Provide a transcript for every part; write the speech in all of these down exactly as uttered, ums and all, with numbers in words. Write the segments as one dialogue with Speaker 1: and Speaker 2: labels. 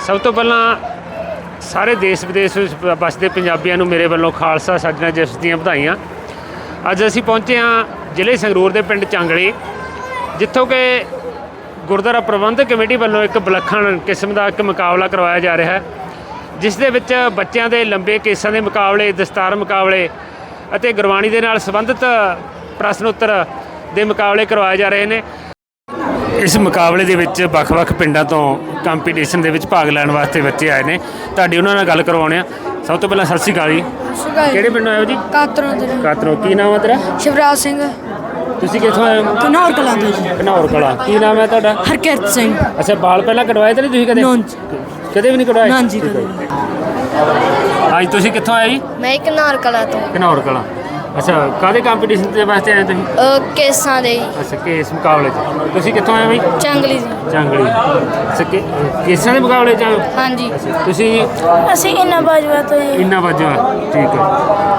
Speaker 1: ਸਭ ਤੋਂ ਪਹਿਲਾਂ ਸਾਰੇ ਦੇਸ਼ ਵਿਦੇਸ਼ ਵਿੱਚ ਵਸਦੇ ਪੰਜਾਬੀਆਂ ਨੂੰ ਮੇਰੇ ਵੱਲੋਂ ਖਾਲਸਾ ਸਾਜਣਾ ਦਿਵਸ ਦੀਆਂ ਵਧਾਈਆਂ। ਅੱਜ ਅਸੀਂ ਪਹੁੰਚੇ ਹਾਂ ਜ਼ਿਲ੍ਹੇ ਸੰਗਰੂਰ ਦੇ ਪਿੰਡ ਚਾਂਗਲੀ, ਜਿੱਥੋਂ ਕਿ ਗੁਰਦੁਆਰਾ ਪ੍ਰਬੰਧਕ ਕਮੇਟੀ ਵੱਲੋਂ ਇੱਕ ਵਿਲੱਖਣ ਕਿਸਮ ਦਾ ਇੱਕ ਮੁਕਾਬਲਾ ਕਰਵਾਇਆ ਜਾ ਰਿਹਾ ਹੈ, ਜਿਸ ਦੇ ਵਿੱਚ ਬੱਚਿਆਂ ਦੇ ਲੰਬੇ ਕੇਸਾਂ ਦੇ ਮੁਕਾਬਲੇ, ਦਸਤਾਰ ਮੁਕਾਬਲੇ ਅਤੇ ਗੁਰਬਾਣੀ ਦੇ ਨਾਲ ਸੰਬੰਧਿਤ ਪ੍ਰਸ਼ਨ ਉੱਤਰ ਦੇ ਮੁਕਾਬਲੇ ਕਰਵਾਏ ਜਾ ਰਹੇ ਨੇ। ਇਸ ਮੁਕਾਬਲੇ ਦੇ ਵਿੱਚ ਵੱਖ-ਵੱਖ ਪਿੰਡਾਂ ਤੋਂ ਕੰਪੀਟੀਸ਼ਨ ਦੇ ਵਿੱਚ ਭਾਗ ਲੈਣ ਵਾਸਤੇ ਬੱਚੇ ਆਏ ਨੇ। ਤੁਹਾਡੀ ਉਹਨਾਂ ਨਾਲ ਗੱਲ ਕਰਵਾਉਣੇ ਆ। ਸਭ ਤੋਂ ਪਹਿਲਾਂ ਸਤਿ ਸ਼੍ਰੀ ਅਕਾਲ ਜੀ। ਕਿਹੜੇ ਪਿੰਡੋਂ ਆਏ ਹੋ ਜੀ?
Speaker 2: ਕਾਤਰੋਂ ਤੋਂ।
Speaker 1: ਕਾਤਰੋਂ। ਕੀ ਨਾਮ ਹੈ ਤੇਰਾ?
Speaker 2: ਸ਼ਿਵਰਾਜ ਸਿੰਘ।
Speaker 1: ਤੁਸੀਂ ਕਿੱਥੋਂ ਆਏ ਹੋ?
Speaker 2: ਘਨੌਰ ਕਲਾਂ ਤੋਂ ਜੀ।
Speaker 1: ਘਨੌਰ ਕਲਾਂ। ਕੀ ਨਾਮ ਹੈ ਤੁਹਾਡਾ?
Speaker 2: ਹਰਕਿਰਤ ਸਿੰਘ।
Speaker 1: ਅੱਛਾ, ਬਾਲ ਪਹਿਲਾਂ ਕਟਵਾਏ ਤਾਂ ਨਹੀਂ ਤੁਸੀਂ ਕਦੇ? ਕਦੇ ਵੀ ਨਹੀਂ ਕਟਵਾਏ?
Speaker 2: ਨਾ ਜੀ, ਕਦੇ।
Speaker 1: ਹਾਂਜੀ, ਤੁਸੀਂ ਕਿੱਥੋਂ ਆਏ ਜੀ?
Speaker 2: ਮੈਂ ਘਨੌਰ ਕਲਾਂ ਤੋਂ।
Speaker 1: ਘਨੌਰ ਕਲਾਂ। ਅੱਛਾ, ਕਾਹਦੇ ਕੰਪੀਟੀਸ਼ਨ ਦੇ ਵਾਸਤੇ ਆਏ ਤੁਸੀਂ?
Speaker 2: ਕੇਸਾਂ ਦੇ।
Speaker 1: ਅੱਛਾ, ਕੇਸ ਮੁਕਾਬਲੇ 'ਚ। ਤੁਸੀਂ ਕਿੱਥੋਂ ਆਏ ਬਈ?
Speaker 2: ਚਾਂਗਲੀ ਜੀ।
Speaker 1: ਚਾਂਗਲੀ। ਅੱਛਾ, ਕੇ- ਕੇਸਾਂ ਦੇ ਮੁਕਾਬਲੇ 'ਚ ਆਏ ਹੋ?
Speaker 2: ਹਾਂਜੀ।
Speaker 1: ਤੁਸੀਂ
Speaker 2: ਅਸੀਂ ਇੰਨਾ ਬਾਜਵਾ ਤੋਂ ਜੀ।
Speaker 1: ਇੰਨਾ ਵਜੋਂ ਆ। ਠੀਕ ਹੈ।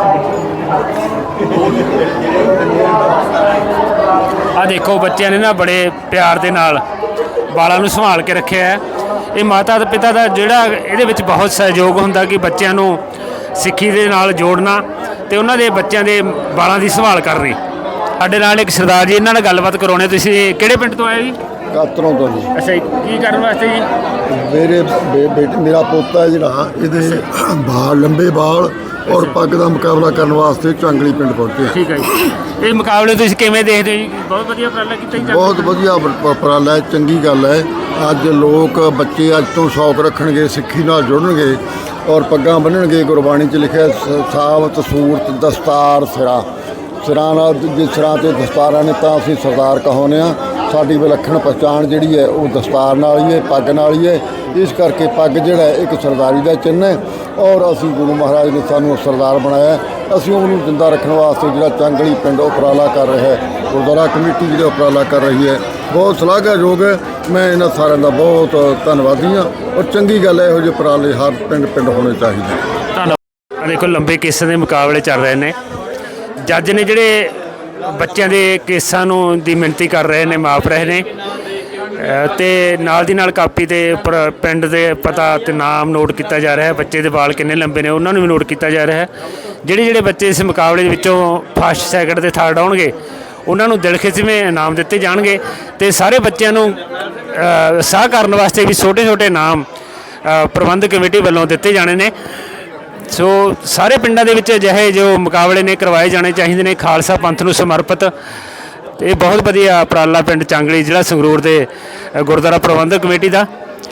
Speaker 1: ਆ ਦੇਖੋ, ਬੱਚਿਆਂ ਨੇ ਨਾ ਬੜੇ ਪਿਆਰ ਦੇ ਨਾਲ ਬਾਲਾਂ ਨੂੰ ਸੰਭਾਲ ਕੇ ਰੱਖਿਆ ਹੈ। ਇਹ ਮਾਤਾ ਤੇ ਪਿਤਾ ਦਾ ਜਿਹੜਾ ਇਹਦੇ ਵਿੱਚ ਬਹੁਤ ਸਹਿਯੋਗ ਹੁੰਦਾ ਕਿ ਬੱਚਿਆਂ ਨੂੰ ਸਿੱਖੀ ਦੇ ਨਾਲ ਜੋੜਨਾ ਤੇ ਉਹਨਾਂ ਦੇ ਬੱਚਿਆਂ ਦੇ ਬਾਲਾਂ ਦੀ ਸੰਭਾਲ ਕਰਨੀ। ਸਾਡੇ ਨਾਲ ਇੱਕ ਸਰਦਾਰ ਜੀ, ਇਹਨਾਂ ਨਾਲ ਗੱਲਬਾਤ ਕਰਾਉਣੇ। ਤੁਸੀਂ ਕਿਹੜੇ ਪਿੰਡ ਤੋਂ ਆਏ ਜੀ?
Speaker 3: ਕਾਤਰੋਂ ਤੋਂ ਜੀ।
Speaker 1: ਅੱਛਾ ਜੀ, ਕੀ ਕਰਨ ਵਾਸਤੇ ਜੀ?
Speaker 3: ਮੇਰੇ ਬੇ- ਬੇਟੇ ਮੇਰਾ ਪੋਤਾ ਹੈ ਜਿਹੜਾ, ਇਹਦੇ ਬਾਲ ਲੰਬੇ ਬਾਲ ਔਰ ਪੱਗ ਦਾ ਮੁਕਾਬਲਾ ਕਰਨ ਵਾਸਤੇ ਚਾਂਗਲੀ ਪਿੰਡ ਪਹੁੰਚੇ।
Speaker 1: ਠੀਕ ਹੈ ਜੀ। ਇਹ ਮੁਕਾਬਲੇ ਤੁਸੀਂ ਕਿਵੇਂ ਦੇਖਦੇ ਹੋ ਜੀ? ਬਹੁਤ ਵਧੀਆ ਉਪਰਾਲਾ ਕੀਤਾ ਜੀ।
Speaker 3: ਬਹੁਤ ਵਧੀਆ ਉਪ- ਉਪਰਾਲਾ ਹੈ, ਚੰਗੀ ਗੱਲ ਹੈ। ਅੱਜ ਲੋਕ ਬੱਚੇ ਅੱਜ ਤੋਂ ਸ਼ੌਕ ਰੱਖਣਗੇ, ਸਿੱਖੀ ਨਾਲ ਜੁੜਨਗੇ ਔਰ ਪੱਗਾਂ ਬੰਨਣਗੇ। ਗੁਰਬਾਣੀ 'ਚ ਲਿਖਿਆ ਸ- ਸਾਬਤ ਸੂਰਤ ਦਸਤਾਰ ਸਿਰਾ ਸਿਰਾਂ ਨਾਲ, ਜੇ ਸਿਰਾਂ 'ਤੇ ਦਸਤਾਰਾਂ ਨੇ ਤਾਂ ਅਸੀਂ ਸਰਦਾਰ ਕਹਾਉਂਦੇ ਹਾਂ। ਸਾਡੀ ਵਿਲੱਖਣ ਪਛਾਣ ਜਿਹੜੀ ਹੈ ਉਹ ਦਸਤਾਰ ਨਾਲ ਹੀ ਹੈ, ਪੱਗ ਨਾਲ ਹੀ ਹੈ। ਇਸ ਕਰਕੇ ਪੱਗ ਜਿਹੜਾ ਹੈ ਇੱਕ ਸਰਦਾਰੀ ਦਾ ਚਿੰਨ੍ਹ ਹੈ ਔਰ ਅਸੀਂ ਗੁਰੂ ਮਹਾਰਾਜ ਨੇ ਸਾਨੂੰ ਸਰਦਾਰ ਬਣਾਇਆ। ਅਸੀਂ ਉਹਨੂੰ ਜ਼ਿੰਦਾ ਰੱਖਣ ਵਾਸਤੇ ਜਿਹੜਾ ਚਾਂਗਲੀ ਪਿੰਡ ਉਪਰਾਲਾ ਕਰ ਰਿਹਾ ਹੈ, ਗੁਰਦੁਆਰਾ ਕਮੇਟੀ ਜਿਹੜਾ ਉਪਰਾਲਾ ਕਰ ਰਹੀ ਹੈ, ਬਹੁਤ ਸ਼ਲਾਘਾਯੋਗ ਹੈ। ਮੈਂ ਇਹਨਾਂ ਸਾਰਿਆਂ ਦਾ ਬਹੁਤ ਧੰਨਵਾਦੀ ਹਾਂ ਔਰ ਚੰਗੀ ਗੱਲ ਹੈ, ਇਹੋ ਜਿਹੇ ਉਪਰਾਲੇ ਹਰ ਪਿੰਡ ਪਿੰਡ ਹੋਣੇ ਚਾਹੀਦੇ।
Speaker 1: ਧੰਨਵਾਦ। ਆ ਦੇਖੋ, ਲੰਬੇ ਕੇਸਾਂ ਦੇ ਮੁਕਾਬਲੇ ਚੱਲ ਰਹੇ ਨੇ। ਜੱਜ ਨੇ ਜਿਹੜੇ ਬੱਚਿਆਂ ਦੇ ਕੇਸਾਂ ਨੂੰ ਦੀ ਮਿਣਤੀ ਕਰ ਰਹੇ ਨੇ, ਮਾਪ ਰਹੇ ਨੇ ਤੇ ਨਾਲ ਦੀ ਨਾਲ ਕਾਪੀ 'ਤੇ ਉੱਪਰ ਪਿੰਡ ਦੇ ਪਤਾ ਤੇ ਨਾਮ ਨੋਟ ਕੀਤਾ ਜਾ ਰਿਹਾ ਹੈ। ਬੱਚੇ ਦੇ ਵਾਲ ਕਿੰਨੇ ਲੰਬੇ ਨੇ ਉਹਨਾਂ ਨੂੰ ਵੀ ਨੋਟ ਕੀਤਾ ਜਾ ਰਿਹਾ ਹੈ। ਜਿਹੜੇ ਜਿਹੜੇ ਬੱਚੇ ਇਸ ਮੁਕਾਬਲੇ ਦੇ ਵਿੱਚੋਂ ਫਸਟ, ਸੈਕਿੰਡ ਤੇ ਥਰਡ ਆਉਣਗੇ ਉਹਨਾਂ ਨੂੰ ਦਿਲ ਖਿੱਚਵੇਂ ਇਨਾਮ ਦਿੱਤੇ ਜਾਣਗੇ ਤੇ ਸਾਰੇ ਬੱਚਿਆਂ ਨੂੰ ਉਤਸ਼ਾਹ ਕਰਨ ਵਾਸਤੇ ਵੀ ਛੋਟੇ ਛੋਟੇ ਇਨਾਮ ਪ੍ਰਬੰਧਕ ਕਮੇਟੀ ਵੱਲੋਂ ਦਿੱਤੇ ਜਾਣੇ ਨੇ। ਸੋ ਸਾਰੇ ਪਿੰਡਾਂ ਦੇ ਵਿੱਚ ਅਜਿਹੇ ਜੋ ਮੁਕਾਬਲੇ ਨੇ ਕਰਵਾਏ ਜਾਣੇ ਚਾਹੀਦੇ ਨੇ, ਖਾਲਸਾ ਪੰਥ ਨੂੰ ਸਮਰਪਿਤ। ਤੇ ਇਹ ਬਹੁਤ ਵਧੀਆ ਉਪਰਾਲਾ ਪਿੰਡ ਚਾਂਗਲੀ, ਜ਼ਿਲ੍ਹਾ ਸੰਗਰੂਰ ਦੇ ਗੁਰਦੁਆਰਾ ਪ੍ਰਬੰਧਕ ਕਮੇਟੀ ਦਾ।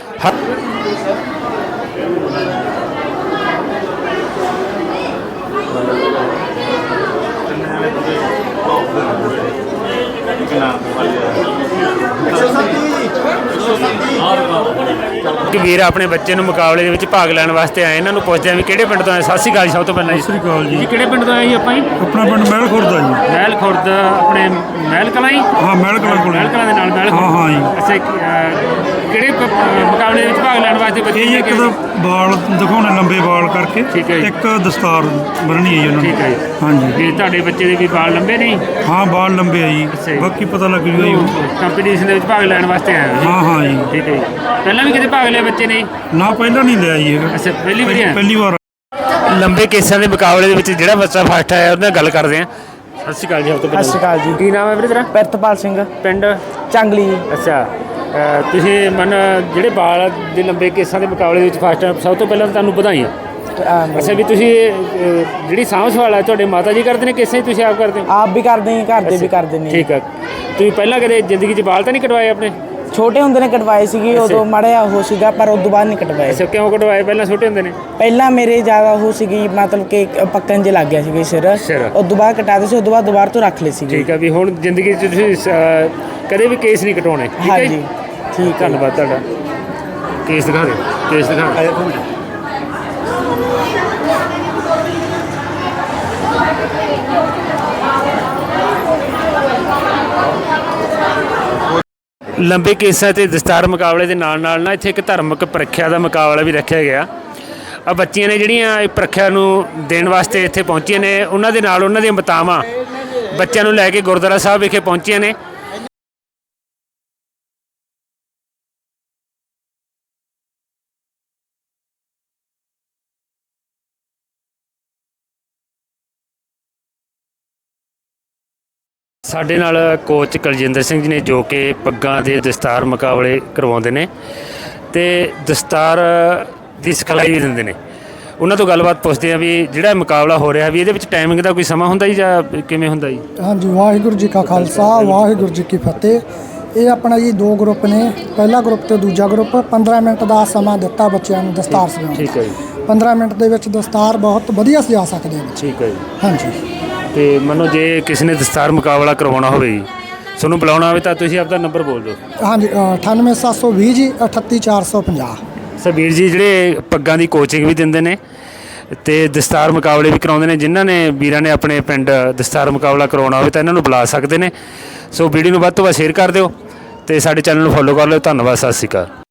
Speaker 1: ਵੀਰ ਆਪਣੇ ਬੱਚੇ ਨੂੰ ਮੁਕਾਬਲੇ ਦੇ ਵਿੱਚ ਭਾਗ ਲੈਣ ਵਾਸਤੇ ਆਏ। ਇਹਨਾਂ ਨੂੰ ਪੁੱਛਦੇ ਆ ਵੀ ਕਿਹੜੇ ਪਿੰਡ ਤੋਂ ਆਏ। ਸਤਿ ਸ਼੍ਰੀ ਅਕਾਲ ਜੀ। ਸਭ ਤੋਂ ਪਹਿਲਾਂ ਜੀ
Speaker 4: ਸਤਿ ਸ਼੍ਰੀ ਅਕਾਲ ਜੀ।
Speaker 1: ਜੀ ਕਿਹੜੇ ਪਿੰਡ ਤੋਂ ਆਏ ਜੀ? ਆਪਾਂ ਜੀ
Speaker 4: ਆਪਣਾ ਪਿੰਡ ਮਹਿਲ ਖੁਰਦ ਆ ਜੀ।
Speaker 1: ਮਹਿਲ ਖੁਰਦ। ਆਪਣੇ ਮਹਿਲ ਕਲਾਂ ਜੀ?
Speaker 4: ਹਾਂ, ਮਹਿਲ ਕਲਾਂ ਕੋਲ।
Speaker 1: ਮਹਿਲ ਕਲਾਂ ਦੇ ਨਾਲ ਮਹਿਲ
Speaker 4: ਹਾਂ ਹਾਂ ਜੀ।
Speaker 1: ਅੱਛਾ, ਕਿਹੜੇ ਪ- ਮੁਕਾਬਲੇ ਦੇ ਵਿੱਚ ਭਾਗ ਲੈਣ ਵਾਸਤੇ ਬੱਚੇ
Speaker 4: ਇਹ ਇੱਕ ਤਾਂ ਬਾਲ ਦਿਖਾਉਣੇ, ਲੰਬੇ ਬਾਲ ਕਰਕੇ।
Speaker 1: ਠੀਕ ਹੈ ਜੀ।
Speaker 4: ਇੱਕ ਦਸਤਾਰ ਬੰਨ੍ਹਣੀ ਹੈ ਜੀ ਉਹਨਾਂ
Speaker 1: ਠੀਕ ਹੈ
Speaker 4: ਨੇ।
Speaker 1: ਜੀ।
Speaker 4: ਹਾਂਜੀ।
Speaker 1: ਤੇ ਤੁਹਾਡੇ ਬੱਚੇ ਦੇ ਵੀ ਵਾਲ ਲੰਬੇ ਨੇ?
Speaker 4: ਹਾਂ, ਬਾਲ ਲੰਬੇ ਆ ਜੀ।
Speaker 1: ਅੱਛਾ ਜੀ।
Speaker 4: ਬਾਕੀ ਪਤਾ ਲੱਗ ਜੂਗਾ ਜੀ।
Speaker 1: ਕੰਪੀਟੀਸ਼ਨ ਦੇ ਵਿੱਚ ਭਾਗ ਲੈਣ ਵਾਸਤੇ ਆਏ ਹੋ ਜੀ?
Speaker 4: ਹਾਂ ਹਾਂ ਜੀ।
Speaker 1: ਠੀਕ ਹੈ ਜੀ। ਪਹਿਲਾਂ ਵੀ ਕਿਤੇ ਭਾਗ ਲਿਆ ਬੱਚੇ ਨੇ?
Speaker 4: ਨਾ, ਪਹਿਲਾਂ ਨਹੀਂ ਲਿਆ ਜੀ ਹੈਗਾ।
Speaker 1: ਅੱਛਾ, ਪਹਿਲੀ ਵਾਰੀ ਆਏ?
Speaker 4: ਪਹਿਲੀ ਵਾਰ।
Speaker 1: ਲੰਬੇ ਕੇਸਾਂ ਦੇ ਮੁਕਾਬਲੇ ਦੇ ਵਿੱਚ ਜਿਹੜਾ ਬੱਚਾ ਫਸਟ ਆਇਆ ਉਹਦੇ ਨਾਲ ਗੱਲ ਕਰਦੇ ਆ। ਸਤਿ ਸ਼੍ਰੀ ਅਕਾਲ ਜੀ। ਸਤਿ
Speaker 5: ਸਤਿ ਸ਼੍ਰੀ ਅਕਾਲ ਜੀ।
Speaker 1: ਕੀ ਨਾਮ ਹੈ ਵੀਰੇ ਤੇਰਾ?
Speaker 5: ਪ੍ਰਿਤਪਾਲ ਸਿੰਘ।
Speaker 1: ਪਿੰਡ?
Speaker 5: ਚਾਂਗਲੀ।
Speaker 1: ਅੱਛਾ, ਅ, ਤੁਸੀਂ ਮਨ ਜਿਹੜੇ ਬਾਲ ਦੇ ਲੰਬੇ ਕੇਸਾਂ ਦੇ ਮੁਕਾਬਲੇ ਦੇ ਵਿੱਚ ਫਸਟ ਆਏ, ਸਭ ਤੋਂ ਪਹਿਲਾਂ ਤੁਹਾਨੂੰ ਵਧਾਈਆਂ। ਅੱਛਾ, ਵੀ ਤੁਸੀਂ ਅ, ਜਿਹੜੀ ਸਾਂਭ ਸੰਭਾਲ ਹੈ ਤੁਹਾਡੇ ਮਾਤਾ ਜੀ ਕਰਦੇ ਨੇ ਕੇਸਾਂ, ਤੁਸੀਂ ਆਪ ਕਰਦੇ ਹੋ?
Speaker 5: ਆਪ ਵੀ ਕਰਦੇ ਨੇ, ਘਰ ਦੇ ਵੀ ਕਰਦੇ ਨੇ।
Speaker 1: ਠੀਕ ਹੈ। ਤੁਸੀਂ ਪਹਿਲਾਂ ਕਦੇ ਜ਼ਿੰਦਗੀ 'ਚ ਬਾਲ ਤਾਂ ਨਹੀਂ ਕਟਵਾਏ ਆਪਣੇ?
Speaker 5: ਛੋਟੇ ਹੁੰਦੇ ਨੇ ਕਟਵਾਏ ਸੀਗੇ, ਉਦੋਂ ਮਾੜਾ ਜਿਹਾ ਉਹ ਸੀਗਾ, ਪਰ ਉਦੋਂ ਬਾਅਦ ਨਹੀਂ ਕਟਵਾਏ।
Speaker 1: ਅੱਛਾ, ਕਿਉਂ ਕਟਵਾਏ ਪਹਿਲਾਂ ਛੋਟੇ ਹੁੰਦੇ ਨੇ?
Speaker 5: ਪਹਿਲਾਂ ਮੇਰੇ ਜ਼ਿਆਦਾ ਉਹ ਸੀਗੀ, ਮਤਲਬ ਕਿ ਪੱਕਣ 'ਚ ਲੱਗ ਗਿਆ ਸੀਗਾ ਸਿਰ।
Speaker 1: ਸਿਰ।
Speaker 5: ਉਦੋਂ ਬਾਅਦ ਕਟਾਦੇ ਸੀ, ਉਦੋਂ ਬਾਅਦ ਦੁਬਾਰਾ ਤੋਂ ਰੱਖ ਲਏ ਸੀਗੇ।
Speaker 1: ਠੀਕ ਹੈ, ਵੀ ਹੁਣ ਜ਼ਿੰਦਗੀ 'ਚ ਤੁਸੀਂ ਅ, ਕਦੇ ਵੀ ਕੇਸ ਨਹੀਂ ਕਟਵਾਉਣੇ। ਠੀਕ ਹੈ ਜੀ।
Speaker 5: ਹਾਂਜੀ, ਠੀਕ ਹੈ।
Speaker 1: ਧੰਨਵਾਦ ਤੁਹਾਡਾ। ਕੇਸ ਦਿਖਾ ਦਿਓ। ਕੇਸ ਦਿਖਾ। ਲੰਬੇ ਕੇਸਾਂ ਤੇ ਦਸਤਾਰ ਮੁਕਾਬਲੇ ਦੇ ਨਾਲ ਨਾਲ ਨਾ ਇੱਥੇ ਇੱਕ ਧਾਰਮਿਕ ਪ੍ਰੀਖਿਆ ਦਾ ਮੁਕਾਬਲਾ ਵੀ ਰੱਖਿਆ ਗਿਆ। ਆ ਬੱਚੀਆਂ ਨੇ ਜਿਹੜੀਆਂ ਇਹ ਪ੍ਰੀਖਿਆ ਨੂੰ ਦੇਣ ਵਾਸਤੇ ਇੱਥੇ ਪਹੁੰਚੀਆਂ ਨੇ, ਉਹਨਾਂ ਦੇ ਨਾਲ ਉਹਨਾਂ ਦੀਆਂ ਮਾਤਾਵਾਂ ਬੱਚਿਆਂ ਨੂੰ ਲੈ ਕੇ ਗੁਰਦੁਆਰਾ ਸਾਹਿਬ ਵਿਖੇ ਪਹੁੰਚੀਆਂ ਨੇ। ਸਾਡੇ ਨਾਲ ਕੋਚ ਕੁਲਜਿੰਦਰ ਸਿੰਘ ਜੀ ਨੇ ਜੋ ਕਿ ਪੱਗਾਂ ਦੇ ਦਸਤਾਰ ਮੁਕਾਬਲੇ ਕਰਵਾਉਂਦੇ ਨੇ ਤੇ ਦਸਤਾਰ ਦੀ ਸਿਖਲਾਈ ਵੀ ਦਿੰਦੇ ਨੇ। ਉਹਨਾਂ ਤੋਂ ਗੱਲਬਾਤ ਪੁੱਛਦੇ ਆ ਵੀ ਜਿਹੜਾ ਮੁਕਾਬਲਾ ਹੋ ਰਿਹਾ ਵੀ ਇਹਦੇ ਵਿੱਚ ਟਾਈਮਿੰਗ ਦਾ ਕੋਈ ਸਮਾਂ ਹੁੰਦਾ ਜੀ ਜਾਂ ਕਿਵੇਂ ਹੁੰਦਾ ਜੀ?
Speaker 6: ਹਾਂਜੀ, ਵਾਹਿਗੁਰੂ ਜੀ ਕਾ ਖਾਲਸਾ ਵਾਹਿਗੁਰੂ ਜੀ ਕੀ ਫਤਿਹ। ਇਹ ਆਪਣਾ ਜੀ ਦੋ ਗਰੁੱਪ ਨੇ, ਪਹਿਲਾ ਗਰੁੱਪ ਤੇ ਦੂਜਾ ਗਰੁੱਪ। ਪੰਦਰਾਂ ਮਿੰਟ ਦਾ ਸਮਾਂ ਦਿੱਤਾ ਬੱਚਿਆਂ ਨੂੰ ਦਸਤਾਰ ਸਜਾਉਣ
Speaker 1: ਠੀਕ ਹੈ ਜੀ।
Speaker 6: ਦਾ। ਪੰਦਰਾਂ ਮਿੰਟ ਦੇ ਵਿੱਚ ਦਸਤਾਰ ਬਹੁਤ ਵਧੀਆ ਸਜਾ ਸਕਦੇ ਆ ਬੱਚੇ।
Speaker 1: ਠੀਕ ਹੈ ਜੀ।
Speaker 6: ਹਾਂਜੀ,
Speaker 1: ਤੇ ਮੰਨੋ ਜੇ ਕਿਸੇ ਨੇ ਦਸਤਾਰ ਮੁਕਾਬਲਾ ਕਰਵਾਉਣਾ ਹੋਵੇ ਜੀ, ਤੁਹਾਨੂੰ ਬੁਲਾਉਣਾ ਹੋਵੇ ਤਾਂ ਤੁਸੀਂ ਆਪਦਾ ਨੰਬਰ ਬੋਲ ਦਿਓ।
Speaker 6: ਹਾਂਜੀ, ਅਠਾਨਵੇਂ ਸੱਤ ਸੌ ਵੀਹ ਜੀ ਅਠੱਤੀ ਚਾਰ ਸੌ ਪੰਜਾਹ।
Speaker 1: ਵੀਰ ਜੀ ਜਿਹੜੇ ਪੱਗਾਂ ਦੀ ਕੋਚਿੰਗ ਵੀ ਦਿੰਦੇ ਨੇ ਤੇ ਦਸਤਾਰ ਮੁਕਾਬਲੇ ਵੀ ਕਰਾਉਂਦੇ ਨੇ। ਜਿਨ੍ਹਾਂ ਨੇ ਵੀਰਾਂ ਨੇ ਆਪਣੇ ਪਿੰਡ ਦਸਤਾਰ ਮੁਕਾਬਲਾ ਕਰਵਾਉਣਾ ਹੋਵੇ ਤਾਂ ਇਹਨਾਂ ਨੂੰ ਬੁਲਾ ਸਕਦੇ ਨੇ। ਸੋ ਵੀਡੀਓ ਨੂੰ ਵੱਧ ਤੋਂ ਵੱਧ ਸ਼ੇਅਰ ਕਰ ਦਿਓ ਤੇ ਸਾਡੇ ਚੈਨਲ ਨੂੰ ਫੋਲੋ ਕਰ ਲਿਓ। ਧੰਨਵਾਦ, ਸਤਿ ਸ਼੍ਰੀ ਅਕਾਲ।